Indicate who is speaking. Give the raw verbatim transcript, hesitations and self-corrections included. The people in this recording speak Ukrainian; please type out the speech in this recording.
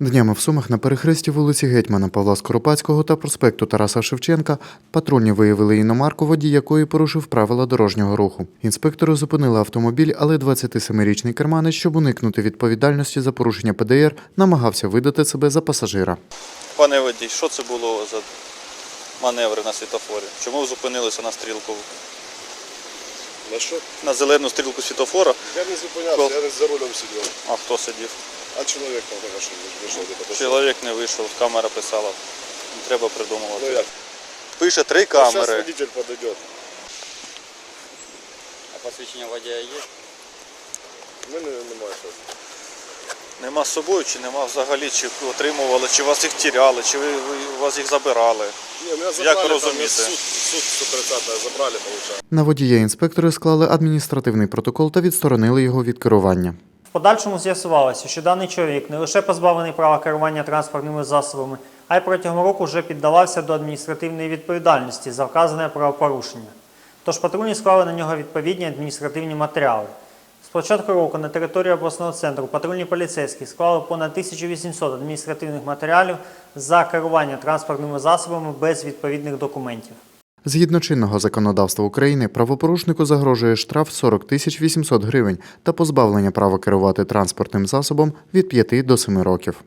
Speaker 1: Днями в Сумах на перехресті вулиці Гетьмана Павла Скоропадського та проспекту Тараса Шевченка патрульні виявили іномарку, водій якої порушив правила дорожнього руху. Інспектори зупинили автомобіль, але двадцятисемирічний керманець, щоб уникнути відповідальності за порушення Пе Де Ер, намагався видати себе за пасажира.
Speaker 2: Пане водій, що це було за маневри на світлофорі? Чому ви зупинилися на стрілку?
Speaker 3: На що?
Speaker 2: На зелену стрілку світлофора?
Speaker 3: Я не зупинявся,
Speaker 2: Кол-
Speaker 3: я не за рулем сидів.
Speaker 2: А хто сидів?
Speaker 3: А чоловік там каже, що вийшов де подошов.
Speaker 2: Чоловік не вийшов, камера писала. Не треба придумувати.
Speaker 3: Ну як?
Speaker 2: Пише три
Speaker 3: Зараз
Speaker 2: камери.
Speaker 3: водитель подойде.
Speaker 4: А посвідчення водія є?
Speaker 3: У мене немає щось.
Speaker 2: Нема з собою чи нема взагалі, чи отримували, чи вас їх тіряли, чи ви, ви вас їх забирали.
Speaker 3: Ні, мене
Speaker 2: Як
Speaker 3: забрали,
Speaker 2: ви
Speaker 3: там
Speaker 2: розумієте?
Speaker 3: суд, суд сто тридцять забрали, виходить.
Speaker 1: На водія інспектори склали адміністративний протокол та відсторонили його від керування.
Speaker 5: В подальшому з'ясувалося, що даний чоловік не лише позбавлений права керування транспортними засобами, а й протягом року вже піддавався до адміністративної відповідальності за вказане правопорушення. Тож патрульні склали на нього відповідні адміністративні матеріали. З початку року на території обласного центру патрульні поліцейські склали понад тисячу вісімсот адміністративних матеріалів за керування транспортними засобами без відповідних документів.
Speaker 1: Згідно чинного законодавства України, правопорушнику загрожує штраф сорок тисяч вісімсот гривень та позбавлення права керувати транспортним засобом від п'яти до семи років.